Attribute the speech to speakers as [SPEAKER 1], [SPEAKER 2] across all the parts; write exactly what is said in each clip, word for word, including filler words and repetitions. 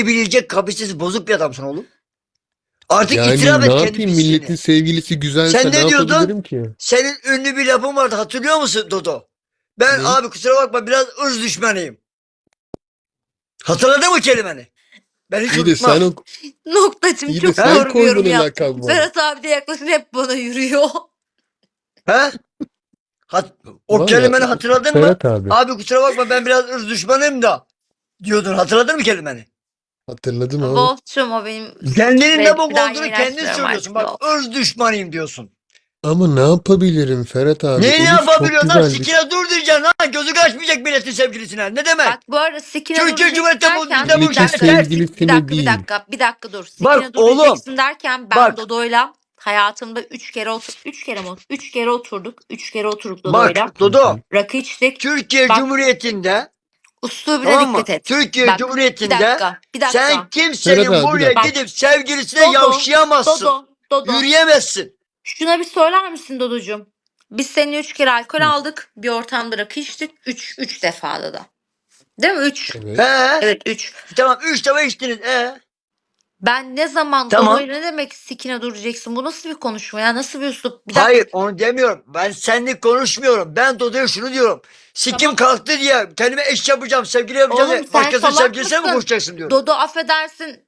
[SPEAKER 1] bilecek kapasitesi bozuk bir adamsın oğlum. Artık
[SPEAKER 2] Yani
[SPEAKER 1] itiraf
[SPEAKER 2] ne
[SPEAKER 1] et kendi
[SPEAKER 2] yapayım, milletin
[SPEAKER 1] pisliğini.
[SPEAKER 2] sevgilisi güzelse
[SPEAKER 1] Sen
[SPEAKER 2] ne
[SPEAKER 1] ne diyordun?
[SPEAKER 2] yapabilirim ki?
[SPEAKER 1] Senin ünlü bir lafın vardı, hatırlıyor musun Dodo? Ben
[SPEAKER 2] Ne?
[SPEAKER 1] abi kusura bakma biraz ırz düşmanıyım. Hatırladın mı kelimeni? Ben hiç
[SPEAKER 2] İyi de sen
[SPEAKER 1] unutmam.
[SPEAKER 2] o
[SPEAKER 3] Noktacım
[SPEAKER 2] iyi de
[SPEAKER 3] çok
[SPEAKER 2] sen
[SPEAKER 3] doğru bir yorum
[SPEAKER 2] koydun o
[SPEAKER 3] yaptın.
[SPEAKER 2] lakabı bana.
[SPEAKER 3] Ferhat abi de yaklaşık hep bana yürüyor.
[SPEAKER 1] He? Hat o
[SPEAKER 2] Valla
[SPEAKER 1] kelimeni hatırladın mı?
[SPEAKER 2] Ferhat abi
[SPEAKER 1] Abi kusura bakma ben biraz ırz düşmanıyım da diyordun. Hatırladın mı kelimeni?
[SPEAKER 2] hatırladım abi.
[SPEAKER 3] Wolf'cum o benim
[SPEAKER 1] Kendinin
[SPEAKER 3] ve
[SPEAKER 1] ne bok
[SPEAKER 3] bir daha
[SPEAKER 1] olduğunu
[SPEAKER 3] yemin
[SPEAKER 1] kendin
[SPEAKER 3] açmıyorum
[SPEAKER 1] söylüyorsun.
[SPEAKER 3] artık
[SPEAKER 1] Bak
[SPEAKER 3] Wolf.
[SPEAKER 1] ırz düşmanıyım diyorsun.
[SPEAKER 2] Ama ne yapabilirim Ferhat abi?
[SPEAKER 1] Neyi ne
[SPEAKER 2] Elif çok
[SPEAKER 1] yapabiliyorsun lan?
[SPEAKER 2] güzel bir...
[SPEAKER 1] Sikine dur diyeceksin ha. Gözü kaçmayacak milletin sevgilisine. Ne demek?
[SPEAKER 3] Bak bu arada sikine
[SPEAKER 1] Türkiye
[SPEAKER 3] duracaksın
[SPEAKER 1] Cumhuriyeti bu
[SPEAKER 3] derken
[SPEAKER 1] dinde bu
[SPEAKER 3] bir
[SPEAKER 2] Milletin
[SPEAKER 3] dakika,
[SPEAKER 1] ters.
[SPEAKER 3] bir
[SPEAKER 2] sevgilisini
[SPEAKER 3] dakika, bir
[SPEAKER 2] değil.
[SPEAKER 3] dakika, bir dakika dur.
[SPEAKER 1] Bak
[SPEAKER 3] Sikine
[SPEAKER 1] oğlum.
[SPEAKER 3] duracaksın derken ben
[SPEAKER 1] Bak.
[SPEAKER 3] Dodo'yla hayatımda üç kere otur, üç kere mi? Üç kere oturduk, üç kere oturduk Dodo'yla.
[SPEAKER 1] Bak Dodo.
[SPEAKER 3] Rakı içtik.
[SPEAKER 1] Türkiye
[SPEAKER 3] Bak
[SPEAKER 1] Cumhuriyeti'nde
[SPEAKER 3] üslubuna
[SPEAKER 1] tamam mı?
[SPEAKER 3] dikkat et.
[SPEAKER 1] Türkiye
[SPEAKER 3] Bak bir
[SPEAKER 1] Cumhuriyeti'nde
[SPEAKER 3] dakika, bir
[SPEAKER 1] sen
[SPEAKER 3] dakika.
[SPEAKER 2] Ferhat
[SPEAKER 1] kimsenin
[SPEAKER 2] abi bir
[SPEAKER 1] buraya
[SPEAKER 2] dakika.
[SPEAKER 3] Bak
[SPEAKER 1] gidip sevgilisine
[SPEAKER 3] Dodo,
[SPEAKER 1] yavşayamazsın.
[SPEAKER 3] Dodo, Dodo.
[SPEAKER 1] Yürüyemezsin.
[SPEAKER 3] Şuna bir söyler misin Dodocuğum? Biz seninle üç kere alkol
[SPEAKER 2] Hı.
[SPEAKER 3] aldık. Bir ortamda rakı içtik. Üç, üç defada da. Değil mi? Üç.
[SPEAKER 2] Evet.
[SPEAKER 1] He?
[SPEAKER 3] Evet üç.
[SPEAKER 1] Tamam üç defa içtiniz. E?
[SPEAKER 3] Ben ne zaman
[SPEAKER 1] Tamam.
[SPEAKER 3] Dodo'yla ne demek sikine duracaksın? Bu nasıl bir konuşma ya? Nasıl bir üslup? Bir dakika.
[SPEAKER 1] Hayır onu demiyorum. Ben seninle konuşmuyorum. Ben Dodo'ya şunu diyorum. Sikim
[SPEAKER 3] Tamam.
[SPEAKER 1] kalktı diye kendime eş yapacağım, sevgili yapacağım
[SPEAKER 3] Oğlum
[SPEAKER 1] diye
[SPEAKER 3] sen
[SPEAKER 1] başkasının
[SPEAKER 3] salak
[SPEAKER 1] sevgilisine mi
[SPEAKER 3] mısın?
[SPEAKER 1] koşacaksın diyorum.
[SPEAKER 3] Dodo affedersin.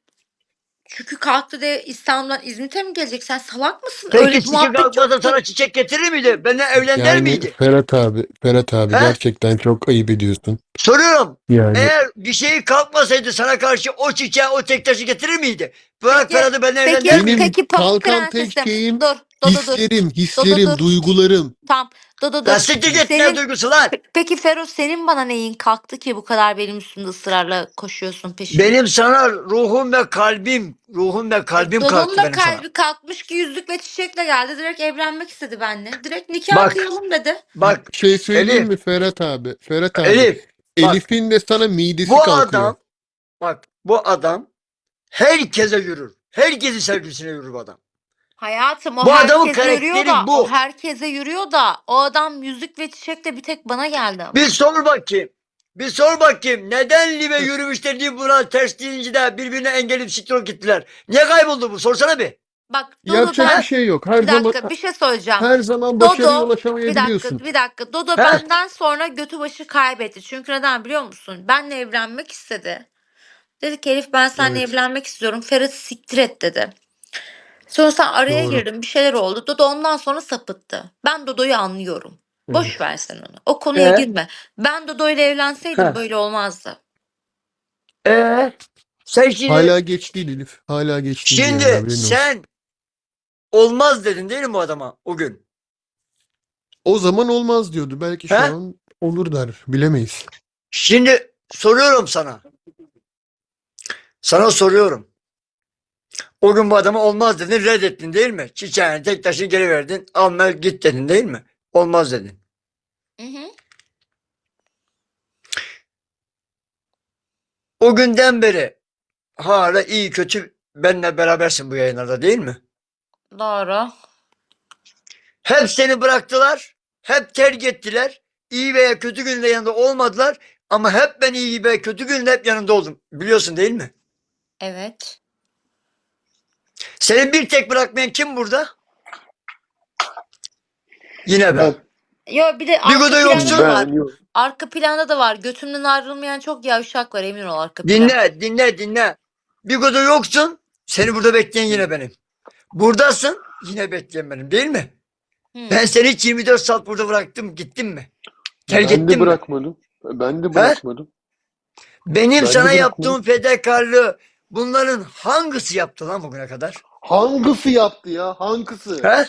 [SPEAKER 3] Çünkü kalktı diye İstanbul'dan İzmit'e mi gelecek? Sen salak mısın? Öyle
[SPEAKER 1] Peki
[SPEAKER 3] bir
[SPEAKER 1] sikim
[SPEAKER 3] muhabbet
[SPEAKER 1] kalkmasa
[SPEAKER 3] yoktur.
[SPEAKER 1] sana çiçek getirir miydi? Benimle evlen der
[SPEAKER 2] Yani
[SPEAKER 1] miydi?
[SPEAKER 2] Ferhat abi, Ferhat abi
[SPEAKER 1] He?
[SPEAKER 2] gerçekten çok ayıp ediyorsun.
[SPEAKER 1] Soruyorum.
[SPEAKER 2] Yani
[SPEAKER 1] Eğer bir şey kalkmasaydı sana karşı o çiçeği, o tek taşı getirir miydi? Bırak
[SPEAKER 3] Peki,
[SPEAKER 1] Ferhat'ı benimle evlen
[SPEAKER 3] peki,
[SPEAKER 1] der miydi?
[SPEAKER 2] benim
[SPEAKER 3] peki Pamuk
[SPEAKER 2] kalkan tek
[SPEAKER 3] Prensesim.
[SPEAKER 2] şeyim
[SPEAKER 3] Dur, Dodo dur.
[SPEAKER 2] hislerim,
[SPEAKER 3] Dodo
[SPEAKER 2] hislerim,
[SPEAKER 3] dur.
[SPEAKER 2] duygularım.
[SPEAKER 3] Tamam, Dodo
[SPEAKER 1] Lan
[SPEAKER 3] dur.
[SPEAKER 1] siktir git, ne
[SPEAKER 3] Senin,
[SPEAKER 1] duygusu lan?
[SPEAKER 3] Pe- peki Fero senin bana neyin kalktı ki bu kadar benim üstümde ısrarla koşuyorsun peşimde?
[SPEAKER 1] Benim sana ruhum ve kalbim, ruhum ve kalbim
[SPEAKER 3] Dodo'nun
[SPEAKER 1] kalktı
[SPEAKER 3] da
[SPEAKER 1] benim sana.
[SPEAKER 3] kalbi kalkmış ki yüzlük ve çiçekle geldi. Direkt evlenmek istedi benimle. Direkt nikah
[SPEAKER 1] Bak,
[SPEAKER 3] kıyalım dedi.
[SPEAKER 1] bak
[SPEAKER 2] Bir şey söyleyeyim
[SPEAKER 1] Elif,
[SPEAKER 2] mi Ferhat abi? Ferhat abi,
[SPEAKER 1] Elif, bak
[SPEAKER 2] Elif'in de sana midesi
[SPEAKER 1] bu
[SPEAKER 2] kalkıyor.
[SPEAKER 1] adam, bak bu adam herkese yürür. Herkesin sevgilisine yürür bu adam.
[SPEAKER 3] Hayatım o
[SPEAKER 1] Bu adamın
[SPEAKER 3] herkese yürüyor
[SPEAKER 1] karakteri
[SPEAKER 3] da o
[SPEAKER 1] bu.
[SPEAKER 3] herkese yürüyor da o adam yüzük ve çiçekle bir tek bana geldi ama.
[SPEAKER 1] Bir sor bakayım. Bir sor bakayım. Neden Libe yürümüşler diye buna ters deyince de birbirine engelip siktir gittiler. Niye kayboldu bu? Sorsana bir.
[SPEAKER 3] Bak Dodo
[SPEAKER 2] Yapacak
[SPEAKER 3] ben
[SPEAKER 2] bir şey yok. Her
[SPEAKER 3] bir
[SPEAKER 2] zaman
[SPEAKER 3] dakika bir şey söyleyeceğim.
[SPEAKER 2] her zaman başarıya
[SPEAKER 3] Dodo bir
[SPEAKER 2] ulaşamayabiliyorsun.
[SPEAKER 3] dakika bir dakika Dodo
[SPEAKER 1] He?
[SPEAKER 3] benden sonra götü başı kaybetti. Çünkü neden biliyor musun? Benle evlenmek istedi. Dedi ki Elif ben seninle
[SPEAKER 2] Evet,
[SPEAKER 3] evlenmek istiyorum. Ferhat siktir et dedi. Sonra sen araya
[SPEAKER 2] doğru.
[SPEAKER 3] girdin bir şeyler oldu. Dodo ondan sonra sapıttı. Ben Dodo'yu anlıyorum.
[SPEAKER 2] Evet.
[SPEAKER 3] Boş ver sen onu. O konuya
[SPEAKER 1] Ee?
[SPEAKER 3] girme. Ben Dodo ile evlenseydim
[SPEAKER 1] Heh.
[SPEAKER 3] böyle olmazdı.
[SPEAKER 1] Ee? Sen şimdi
[SPEAKER 2] Hala geç değil Elif. Hala geç değil yani,
[SPEAKER 1] şimdi
[SPEAKER 2] haberin olsun.
[SPEAKER 1] sen olmaz dedin değil mi bu adama o gün?
[SPEAKER 2] O zaman olmaz diyordu. Belki şu
[SPEAKER 1] He?
[SPEAKER 2] an olur der. Bilemeyiz.
[SPEAKER 1] Şimdi soruyorum sana. Sana soruyorum. O gün bu adama olmaz dedin, reddettin değil mi? Çiçeğini tek taşını geri verdin. Alma git dedin değil mi? Olmaz dedin.
[SPEAKER 3] Hı hı.
[SPEAKER 1] O günden beri hala iyi kötü benimle berabersin bu yayınlarda değil mi?
[SPEAKER 3] Doğru.
[SPEAKER 1] Hep seni bıraktılar. Hep terk ettiler. İyi veya kötü günde yanında olmadılar. Ama hep ben iyi veya kötü günde hep yanında oldum. Biliyorsun değil mi?
[SPEAKER 3] Evet.
[SPEAKER 1] Seni bir tek bırakmayan kim burada? Yine ben.
[SPEAKER 3] Yo bir de
[SPEAKER 1] Bir
[SPEAKER 3] arka
[SPEAKER 1] goda
[SPEAKER 3] planda
[SPEAKER 1] yoksun.
[SPEAKER 3] da var.
[SPEAKER 2] Ben yok.
[SPEAKER 3] Arka planda da var. Götümden ayrılmayan çok yavşak var emin ol arka planda.
[SPEAKER 1] Dinle, dinle, dinle. Bir goda yoksun. Seni burada bekleyen yine benim. Buradasın. Yine bekleyen benim değil mi?
[SPEAKER 3] Hı.
[SPEAKER 1] Ben seni hiç yirmi dört saat burada bıraktım. Gittin mi? Terk
[SPEAKER 2] Ben de
[SPEAKER 1] ettin mi?
[SPEAKER 2] bırakmadım. Ben de
[SPEAKER 1] He?
[SPEAKER 2] bırakmadım.
[SPEAKER 1] Benim
[SPEAKER 2] Ben de
[SPEAKER 1] sana
[SPEAKER 2] bırakmadım.
[SPEAKER 1] yaptığım fedakarlığı bunların hangisi yaptı lan bugüne kadar?
[SPEAKER 2] Hangisi yaptı ya? Hangisi?
[SPEAKER 1] He?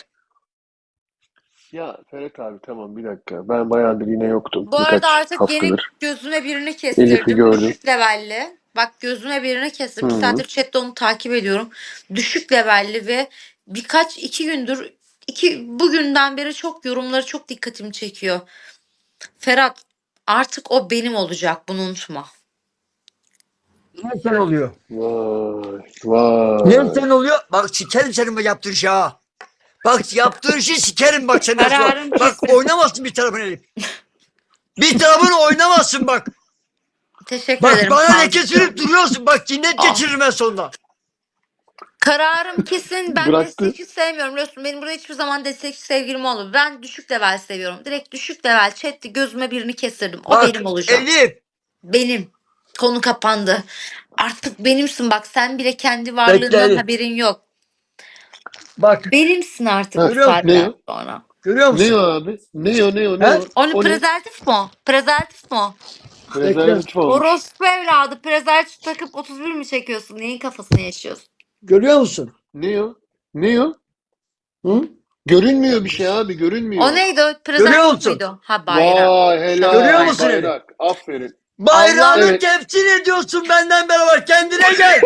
[SPEAKER 2] Ya Ferhat abi tamam bir dakika. Ben bayağıdır yine yoktum.
[SPEAKER 3] Bu arada
[SPEAKER 2] Birkaç
[SPEAKER 3] artık yeni
[SPEAKER 2] haftadır.
[SPEAKER 3] gözüme birini
[SPEAKER 2] Elif'i
[SPEAKER 3] kestirdim.
[SPEAKER 2] gördüm.
[SPEAKER 3] Düşük levelli. Bak gözüme birini kestirdim.
[SPEAKER 2] Hı
[SPEAKER 3] Bir
[SPEAKER 2] hı.
[SPEAKER 3] saattir chatte onu takip ediyorum. Düşük levelli ve birkaç iki gündür iki bugünden beri çok yorumları çok dikkatimi çekiyor. Ferhat artık o benim olacak bunu unutma.
[SPEAKER 1] Ne sen oluyor?
[SPEAKER 2] Vay
[SPEAKER 1] Ne
[SPEAKER 2] vay.
[SPEAKER 1] sen oluyor? Bak sikerim senin bu yaptığın işi ha. Bak yaptığın işi sikerim bak senden sonra.
[SPEAKER 3] Kararım
[SPEAKER 1] Bak
[SPEAKER 3] kesin.
[SPEAKER 1] oynamazsın bir tarafını Elif. Bir tarafını oynamazsın bak.
[SPEAKER 3] Teşekkür
[SPEAKER 1] Bak
[SPEAKER 3] ederim.
[SPEAKER 1] bana
[SPEAKER 3] Fazla.
[SPEAKER 1] leke sürüp duruyorsun. Bak cinnet
[SPEAKER 3] Ah.
[SPEAKER 1] geçiririm ben sonunda.
[SPEAKER 3] Kararım kesin. Ben
[SPEAKER 2] Bıraktı.
[SPEAKER 3] destekçi sevmiyorum. Biliyorsun benim burada hiçbir zaman destekçi sevgilim olmadı. Ben düşük level seviyorum. Direkt düşük level chatte gözüme birini kestirdim. O
[SPEAKER 1] Bak
[SPEAKER 3] benim olacak.
[SPEAKER 1] Elif.
[SPEAKER 3] Benim. Konu kapandı. Artık benimsin bak. Sen bile kendi
[SPEAKER 1] Bekle
[SPEAKER 3] varlığından
[SPEAKER 1] Elif.
[SPEAKER 3] haberin yok.
[SPEAKER 1] Bak
[SPEAKER 3] Benimsin artık
[SPEAKER 2] Ha,
[SPEAKER 3] bu
[SPEAKER 1] görüyor musun?
[SPEAKER 2] ne
[SPEAKER 3] saatten
[SPEAKER 2] o?
[SPEAKER 3] sonra.
[SPEAKER 1] Görüyor
[SPEAKER 2] Ne
[SPEAKER 1] musun?
[SPEAKER 2] o abi? Ne o ne o ne
[SPEAKER 1] He?
[SPEAKER 2] o?
[SPEAKER 3] Onu
[SPEAKER 2] O ne?
[SPEAKER 3] prezervatif mi o? Prezervatif mi o?
[SPEAKER 1] Bekle.
[SPEAKER 2] Prezervatif olmuş.
[SPEAKER 3] Orospu evladı prezervatif takıp otuz bir mi çekiyorsun? Neyin kafasını yaşıyorsun?
[SPEAKER 1] Görüyor musun?
[SPEAKER 2] Ne o? Ne o?
[SPEAKER 1] Hı?
[SPEAKER 2] Görünmüyor bir şey abi,
[SPEAKER 3] O
[SPEAKER 2] görünmüyor.
[SPEAKER 3] neydi o?
[SPEAKER 1] Görüyor
[SPEAKER 3] Prezervatif
[SPEAKER 1] musun?
[SPEAKER 3] miydi o? Ha bayrak.
[SPEAKER 2] Vay
[SPEAKER 3] Şaka
[SPEAKER 1] Görüyor
[SPEAKER 2] helal
[SPEAKER 1] musun Elif?
[SPEAKER 2] bayrak. Aferin.
[SPEAKER 1] Bayrağını
[SPEAKER 3] Allah
[SPEAKER 2] Evet.
[SPEAKER 1] temsil ediyorsun benden beraber. Kendine gel.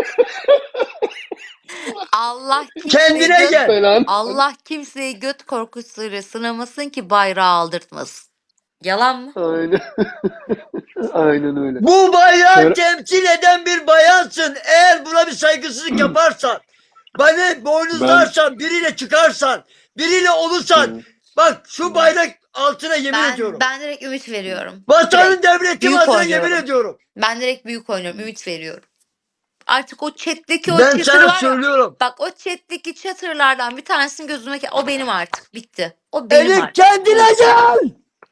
[SPEAKER 3] Allah kimseyi
[SPEAKER 1] Kendine
[SPEAKER 3] göt
[SPEAKER 1] gel.
[SPEAKER 2] Falan.
[SPEAKER 3] Allah kimseyi göt korkusuyla sınamasın ki bayrağı aldırtmasın. Yalan mı?
[SPEAKER 2] Aynen. Aynen öyle.
[SPEAKER 1] Bu bayrağı
[SPEAKER 2] Fer-
[SPEAKER 1] temsil eden bir bayansın. Eğer buna bir saygısızlık yaparsan, beni boynuzlarsan, biriyle çıkarsan, biriyle olursan,
[SPEAKER 2] Hı.
[SPEAKER 1] bak şu bayrak altına yemin
[SPEAKER 3] Ben
[SPEAKER 1] ediyorum.
[SPEAKER 3] ben direkt ümit veriyorum.
[SPEAKER 1] Vatanın
[SPEAKER 3] Direkt.
[SPEAKER 1] devletim
[SPEAKER 3] Büyük
[SPEAKER 1] adına
[SPEAKER 3] oynuyorum.
[SPEAKER 1] yemin ediyorum.
[SPEAKER 3] Ben direkt büyük oynuyorum. Ümit veriyorum. Artık o chat'teki o
[SPEAKER 1] Ben
[SPEAKER 3] chatter
[SPEAKER 1] sana
[SPEAKER 3] var ya.
[SPEAKER 1] söylüyorum.
[SPEAKER 3] Bak o chat'teki chatter'lardan bir tanesinin gözüme ke- o benim artık. Bitti. O benim
[SPEAKER 1] Elif
[SPEAKER 3] artık.
[SPEAKER 1] kendine gel.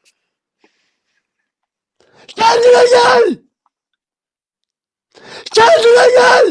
[SPEAKER 1] Kendine gel. Kendine gel.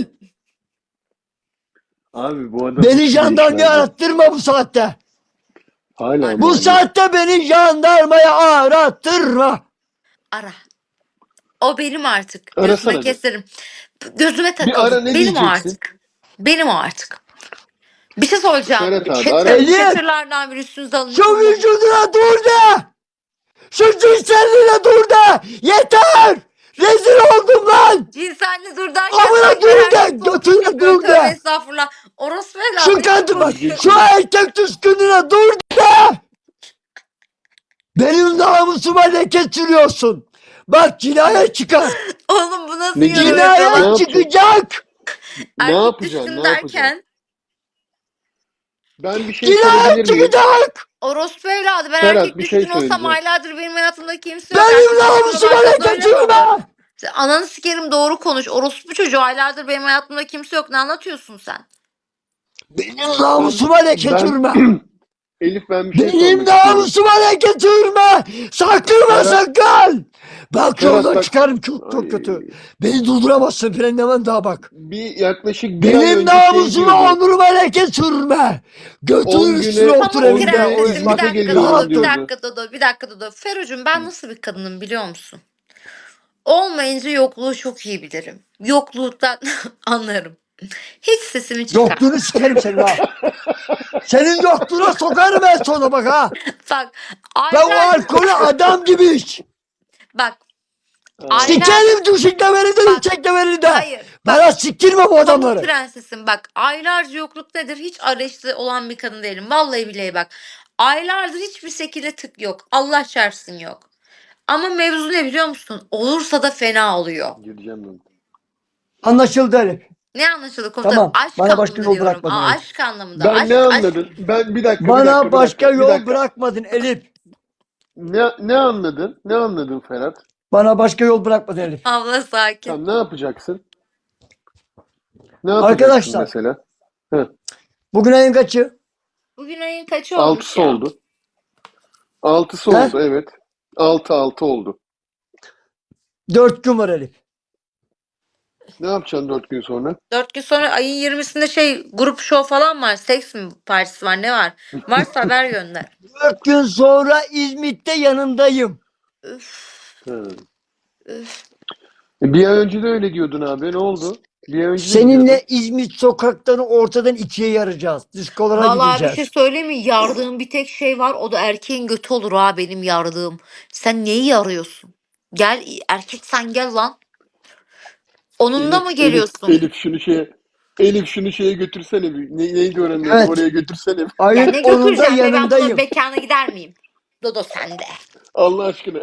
[SPEAKER 2] Abi bu adam
[SPEAKER 1] Beni
[SPEAKER 2] hiç
[SPEAKER 1] jandarmaya
[SPEAKER 2] değişmez.
[SPEAKER 1] arattırma bu saatte.
[SPEAKER 2] Hala
[SPEAKER 1] Bu
[SPEAKER 2] mı?
[SPEAKER 1] saatte beni jandarmaya arattırma.
[SPEAKER 3] Ara. O benim artık.
[SPEAKER 2] Arasana
[SPEAKER 3] Gözüme
[SPEAKER 2] bir.
[SPEAKER 3] keserim. Gözüme
[SPEAKER 2] Bir ara
[SPEAKER 3] takıldı.
[SPEAKER 2] ne
[SPEAKER 3] Benim o
[SPEAKER 2] diyeceksin?
[SPEAKER 3] artık. Benim o artık. Bir şey soracağım.
[SPEAKER 2] Ferhat abi
[SPEAKER 3] Chatter,
[SPEAKER 2] ara.
[SPEAKER 1] Elif!
[SPEAKER 3] chatter'lardan biri üstünüze alınıyor.
[SPEAKER 1] Şu vücuduna dur de. Şu cinselliğine dur de. Yeter. Rezil oldum lan.
[SPEAKER 3] Cinselli dur derken
[SPEAKER 1] Amına
[SPEAKER 3] sanki
[SPEAKER 1] dur
[SPEAKER 3] her
[SPEAKER 1] de,
[SPEAKER 3] şey çok
[SPEAKER 1] götüne
[SPEAKER 3] kötü.
[SPEAKER 1] dur
[SPEAKER 3] Tövbe
[SPEAKER 1] de.
[SPEAKER 3] estağfurullah. Orospu evladı.
[SPEAKER 1] Şu
[SPEAKER 3] ne
[SPEAKER 1] kadın bak.
[SPEAKER 3] konuşuyorsun?
[SPEAKER 1] Şu erkek düşkününe dur de. Benim namusuma leke sürüyorsun. Bak cinayet çıkar.
[SPEAKER 3] Oğlum bu nasıl
[SPEAKER 2] Ne
[SPEAKER 3] yorum
[SPEAKER 2] cinayet?
[SPEAKER 3] yapıyor lan?
[SPEAKER 2] Ne
[SPEAKER 1] Cinayet
[SPEAKER 2] yapacaksın?
[SPEAKER 1] çıkacak.
[SPEAKER 2] Ne
[SPEAKER 3] Erkek
[SPEAKER 2] yapacaksın?
[SPEAKER 3] düşkün
[SPEAKER 2] Ne yapacaksın?
[SPEAKER 3] derken
[SPEAKER 2] Ben bir şey
[SPEAKER 1] Cinayet
[SPEAKER 2] sorabilir miyim?
[SPEAKER 1] çıkacak.
[SPEAKER 3] orospu evladı. Ben
[SPEAKER 2] Ferhat,
[SPEAKER 3] erkek
[SPEAKER 2] bir şey
[SPEAKER 3] düşkün olsam
[SPEAKER 2] söyleyeceğim.
[SPEAKER 3] aylardır benim hayatımda kimse yok.
[SPEAKER 1] Benim
[SPEAKER 3] Erkek düşkün
[SPEAKER 1] namusuma
[SPEAKER 3] olarsa
[SPEAKER 1] leke
[SPEAKER 3] böyle mi olur?
[SPEAKER 1] sürme.
[SPEAKER 3] Sen ananı sikerim doğru konuş. Orospu çocuğu aylardır benim hayatımda kimse yok. Ne anlatıyorsun sen?
[SPEAKER 1] Benim namusuma leke
[SPEAKER 2] Ben
[SPEAKER 1] sürme.
[SPEAKER 2] Elif ben bir şey
[SPEAKER 1] Benim
[SPEAKER 2] sormak istiyorum.
[SPEAKER 1] namusuma leke sürme. Sakın
[SPEAKER 2] Ferhat-
[SPEAKER 1] sakın. Bak
[SPEAKER 2] Ferhat
[SPEAKER 1] yoldan
[SPEAKER 2] bak-
[SPEAKER 1] çıkarım çok çok
[SPEAKER 2] Ay,
[SPEAKER 1] kötü. Beni durduramazsın frenlemen daha bak.
[SPEAKER 2] Bir yaklaşık bir ay
[SPEAKER 1] Benim
[SPEAKER 2] önce şey
[SPEAKER 1] namusuma
[SPEAKER 2] diyordu.
[SPEAKER 1] onuruma leke sürme. Götünün
[SPEAKER 2] On
[SPEAKER 1] üstüne
[SPEAKER 2] güne-
[SPEAKER 1] otur
[SPEAKER 3] Pamuk
[SPEAKER 2] on
[SPEAKER 1] evinde.
[SPEAKER 2] güne
[SPEAKER 1] O-
[SPEAKER 3] prensesim. Bir
[SPEAKER 1] bak,
[SPEAKER 2] İzmit'e
[SPEAKER 3] dakika
[SPEAKER 2] geliyorum
[SPEAKER 1] rahat
[SPEAKER 3] Dodo. Bir
[SPEAKER 1] dur.
[SPEAKER 2] diyordu.
[SPEAKER 3] dakika Dodo. Bir dakika Dodo. Ferucum ben nasıl bir kadınım biliyor musun? Olmayınca yokluğu çok iyi bilirim. Yokluktan anlarım. Hiç sesimi çıkar.
[SPEAKER 1] Yokluğunu sikerim senin ha. Senin yokluğuna sokarım en sona bak ha.
[SPEAKER 3] Bak
[SPEAKER 1] Ben o
[SPEAKER 3] aylar
[SPEAKER 1] alkolü adam gibi iç.
[SPEAKER 3] bak
[SPEAKER 2] Ay,
[SPEAKER 3] Aynen.
[SPEAKER 1] Sikerim düşüklemeni de
[SPEAKER 3] Bak,
[SPEAKER 1] içeklemeni de.
[SPEAKER 3] hayır. Bak
[SPEAKER 1] Bana siktirme bu
[SPEAKER 3] Pamuk
[SPEAKER 1] adamları.
[SPEAKER 3] prensesim bak aylarca yokluk nedir hiç arayışta olan bir kadın değilim. Vallahi billahi bak aylardır hiçbir şekilde tık yok. Allah çarpsın yok. Ama mevzu ne biliyor musun? Olursa da fena oluyor.
[SPEAKER 2] gireceğim ben.
[SPEAKER 1] Anlaşıldı Elif.
[SPEAKER 3] Ne anlaşıldı komutanım?
[SPEAKER 1] Tamam,
[SPEAKER 3] Aşk
[SPEAKER 1] bana başka
[SPEAKER 3] anlamında
[SPEAKER 1] yol
[SPEAKER 3] diyorum.
[SPEAKER 1] bırakmadın
[SPEAKER 3] Aa,
[SPEAKER 1] Elif.
[SPEAKER 3] aşk anlamında.
[SPEAKER 2] Ben
[SPEAKER 3] aşk,
[SPEAKER 2] ne
[SPEAKER 3] aşk-
[SPEAKER 2] anladın? Ben bir dakika bir
[SPEAKER 1] Bana
[SPEAKER 2] dakika bir
[SPEAKER 1] başka
[SPEAKER 2] dakika, bir
[SPEAKER 1] yol
[SPEAKER 2] dakika.
[SPEAKER 1] bırakmadın Elif.
[SPEAKER 2] Ne ne anladın? Ne anladın Ferhat?
[SPEAKER 1] Bana başka yol bırakmadın Elif.
[SPEAKER 3] Abla sakin.
[SPEAKER 2] Tamam ne yapacaksın? Ne yapacaksın
[SPEAKER 1] Arkadaşlar.
[SPEAKER 2] mesela?
[SPEAKER 1] Bugün ayın kaçı?
[SPEAKER 3] Bugün ayın kaçı olmuş
[SPEAKER 2] Altısı
[SPEAKER 3] ya?
[SPEAKER 2] oldu. Altısı
[SPEAKER 1] He?
[SPEAKER 2] oldu evet. Altı altı oldu.
[SPEAKER 1] Dört gün var Elif.
[SPEAKER 2] Ne yapacaksın dört gün sonra?
[SPEAKER 3] Dört gün sonra ayın yirmisinde şey grup show falan var. Seks mi partisi var ne var? Varsa haber gönder.
[SPEAKER 1] Dört gün sonra İzmit'te yanındayım.
[SPEAKER 3] Üf,
[SPEAKER 2] Hı.
[SPEAKER 3] üf.
[SPEAKER 2] E, Bir ay önce de öyle diyordun abi. Ne oldu? Bir ay önce de
[SPEAKER 1] Seninle
[SPEAKER 2] diyordun.
[SPEAKER 1] İzmit sokaklarını ortadan ikiye yaracağız. Diskolara
[SPEAKER 3] Vallahi bir
[SPEAKER 1] gideceğiz.
[SPEAKER 3] şey söyleyeyim mi? Yardığım bir tek şey var. O da erkeğin götü olur ha benim yardığım. Sen neyi yarıyorsun? Gel erkek sen gel lan. Onunla
[SPEAKER 2] Elif,
[SPEAKER 3] mı
[SPEAKER 2] Elif,
[SPEAKER 3] geliyorsun?
[SPEAKER 2] Elif şunu şeye Elif şunu şeye götürsene bir. Ne, neydi oranın adı?
[SPEAKER 1] Evet.
[SPEAKER 2] Oraya götürsene bir.
[SPEAKER 3] Ya
[SPEAKER 1] Ayın
[SPEAKER 3] ne
[SPEAKER 1] onunda
[SPEAKER 3] götüreceğim be ben bunun
[SPEAKER 1] yanındayım.
[SPEAKER 3] mekana gider miyim? Dodo sende.
[SPEAKER 2] Allah aşkına.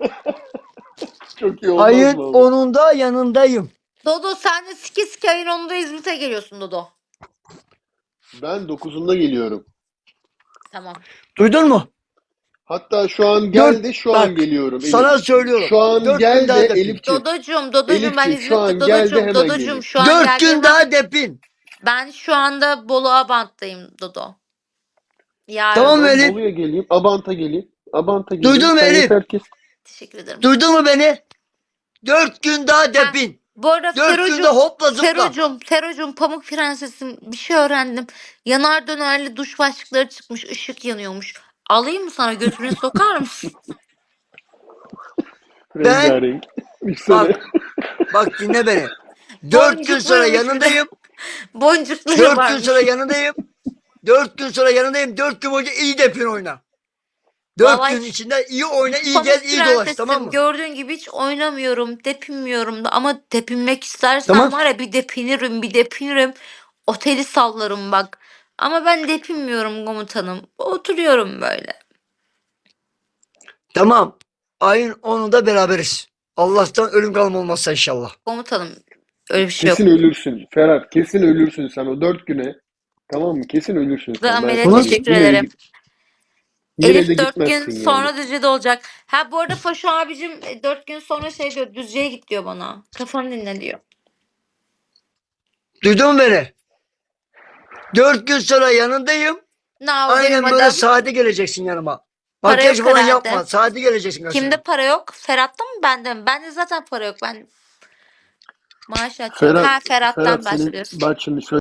[SPEAKER 2] Çok iyi olmaz
[SPEAKER 1] Ayın
[SPEAKER 2] mı abi?
[SPEAKER 1] onunda yanındayım.
[SPEAKER 3] Dodo sen de sike sike ayın onunda İzmit'e geliyorsun Dodo.
[SPEAKER 2] Ben dokuzunda geliyorum.
[SPEAKER 3] Tamam.
[SPEAKER 1] Duydun mu?
[SPEAKER 2] Hatta şu an gel
[SPEAKER 1] Dört,
[SPEAKER 2] de şu an
[SPEAKER 1] bak
[SPEAKER 2] geliyorum Elif.
[SPEAKER 1] sana söylüyorum.
[SPEAKER 2] Şu an
[SPEAKER 1] Dört gün
[SPEAKER 2] gel
[SPEAKER 1] daha
[SPEAKER 2] de
[SPEAKER 1] depin.
[SPEAKER 2] Elifciğim.
[SPEAKER 3] Dodocuğum, Dodocuğum ben
[SPEAKER 2] Elifciğim şu
[SPEAKER 3] İzmit'te.
[SPEAKER 2] an gel de
[SPEAKER 3] Dodocuğum,
[SPEAKER 2] hemen
[SPEAKER 3] Dodocuğum
[SPEAKER 2] geleyim.
[SPEAKER 3] şu an
[SPEAKER 1] Dört
[SPEAKER 3] geldiğim
[SPEAKER 1] gün
[SPEAKER 3] an
[SPEAKER 1] daha depin.
[SPEAKER 3] ben şu anda Bolu Abant'tayım Dodo. Yarın.
[SPEAKER 1] Tamam mı
[SPEAKER 2] Tamam
[SPEAKER 1] Elif?
[SPEAKER 2] Bolu'ya geleyim. Abant'a geleyim. Abant'a geleyim.
[SPEAKER 1] Duydun mu
[SPEAKER 2] Sen
[SPEAKER 1] Elif?
[SPEAKER 2] yeter ki.
[SPEAKER 3] Teşekkür ederim.
[SPEAKER 1] Duydun mu beni? Dört gün daha
[SPEAKER 3] Ha,
[SPEAKER 1] depin.
[SPEAKER 3] bu arada
[SPEAKER 1] Dört günde
[SPEAKER 3] Ferocuğum,
[SPEAKER 1] hopla zıpla.
[SPEAKER 3] Ferocuğum, Ferocuğum Pamuk Prensesim bir şey öğrendim. Yanar dönerli duş başlıkları çıkmış, ışık yanıyormuş. Alayım mı sana, götürüne sokar mısın?
[SPEAKER 1] Ben
[SPEAKER 2] Rengarenk. Düşsene.
[SPEAKER 1] bak bak dinle beni. Dört gün sonra
[SPEAKER 3] Boncukluymuş bir de.
[SPEAKER 1] yanındayım.
[SPEAKER 3] Boncukları
[SPEAKER 1] Dört gün
[SPEAKER 3] varmış.
[SPEAKER 1] sonra yanındayım. Dört gün sonra yanındayım. Dört gün boyunca iyi depin oyna. Dört
[SPEAKER 3] Vallahi
[SPEAKER 1] gün
[SPEAKER 3] hiç-
[SPEAKER 1] içinde iyi oyna, iyi
[SPEAKER 3] Pamuk
[SPEAKER 1] gez, iyi dolaş,
[SPEAKER 3] Prensesim
[SPEAKER 1] tamam mı?
[SPEAKER 3] gördüğün gibi hiç oynamıyorum, depinmiyorum da ama depinmek istersen
[SPEAKER 1] Tamam.
[SPEAKER 3] var ya bir depinirim, bir depinirim. Oteli sallarım bak. Ama ben depinmiyorum komutanım. Oturuyorum böyle.
[SPEAKER 1] Tamam. Ayın onunda beraberiz. Allah'tan ölüm kalım olmazsa inşallah.
[SPEAKER 3] Komutanım öyle bir şey yok.
[SPEAKER 2] Kesin ölürsün. Ferhat kesin ölürsün sen o dört güne. Tamam mı? Kesin ölürsün sen. Ben
[SPEAKER 3] Amel'e
[SPEAKER 2] sana
[SPEAKER 3] teşekkür
[SPEAKER 2] diyeyim. Yine de,
[SPEAKER 3] ederim.
[SPEAKER 2] git- yine de
[SPEAKER 3] Elif dört gün
[SPEAKER 2] gitmezsin yani.
[SPEAKER 3] sonra Düzce'de olacak. Ha bu arada Faşo abicim e, dört gün sonra şey diyor, Düzce'ye git diyor bana. Kafanı dinle diyor.
[SPEAKER 1] Duydun mu beni? Dört gün sonra yanındayım.
[SPEAKER 3] Ne
[SPEAKER 1] Aynen
[SPEAKER 3] yapayım
[SPEAKER 1] böyle
[SPEAKER 3] adam?
[SPEAKER 1] saate geleceksin yanıma.
[SPEAKER 3] Para
[SPEAKER 1] Makyaj
[SPEAKER 3] yok
[SPEAKER 1] falan
[SPEAKER 3] herhalde.
[SPEAKER 1] yapma. Saate geleceksin karşıma.
[SPEAKER 3] Kimde para yok? Ferhat'ta mı bende mi? Bende zaten para yok. Ben maaş açıyorum.
[SPEAKER 2] Ferhat,
[SPEAKER 3] Ha Ferhat'tan
[SPEAKER 2] Ferhat senin
[SPEAKER 3] bahsediyorsun.
[SPEAKER 2] bak şimdi şöyle